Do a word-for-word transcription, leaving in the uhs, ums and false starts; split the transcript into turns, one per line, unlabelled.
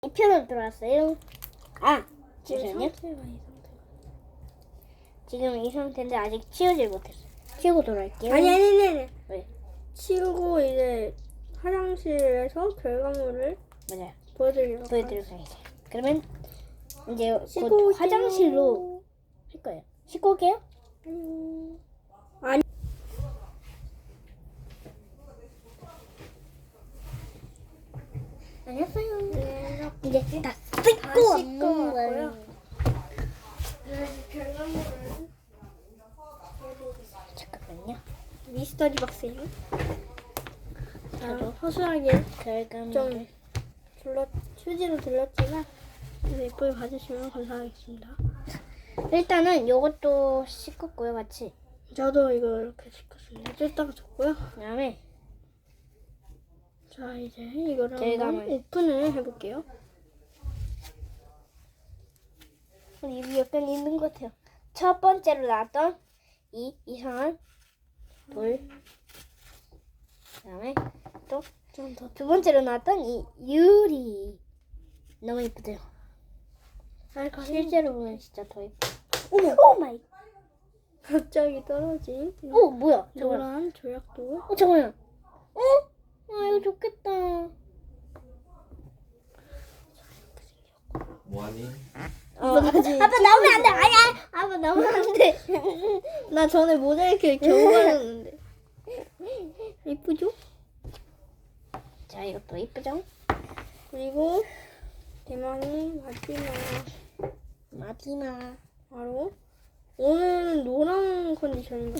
이 편으로 들어왔어요. 아,
지금
잠시만요.
상태가 이 상태.
지금 이 상태인데 아직 치우질 못했어요. 치우고 돌아올게요.
아니 아니 아니 아니.
왜?
치우고 이제 화장실에서 결과물을
맞아요.
보여드리도록
보여드리도록 하겠습니다. 그러면 이제
씻고
곧
올게요.
화장실로 할 거예요. 씻고 올게요.
안녕. 아니.
안녕하세요.
네,
이제 다
다
씻고
씻고
왔는
왔고요.
거예요.
네, 결과물을
잠깐만요.
미스터리 박스예요.
저도
자, 허술하게
결과물을
좀 둘러 휴지로 들렸지만 그래도 예쁘게 봐주시면 감사하겠습니다.
일단은 요것도 씻었고요, 같이.
저도 이거 이렇게 씻었습니다. 뜯다가 줬고요.
그다음에
자, 이제 이거를
결과물.
한번 오픈을 해볼게요.
입이 약간 있는 것 같아요. 첫 번째로 나왔던 이 이상한 돌. 그다음에 또
좀 더.
두 번째로 나왔던 이 유리. 너무 예쁘죠?
알까?
실제로 보면 진짜 더 예뻐.
어머!
오 마이.
갑자기 떨어진
오 뭐야? 저거야.
노란 조약돌.
어 저거야. 어? 아 이거 좋겠다.
뭐하니?
어, 아빠 나오면 안 돼. 아니야. 아빠 나오면 안 돼.
나 전에 모자이크 겨우 발랐는데. 이쁘죠?
자 이것도 예쁘죠?
그리고 대망의 마지막
마지막.
바로 오늘은 노란 컨디션인가?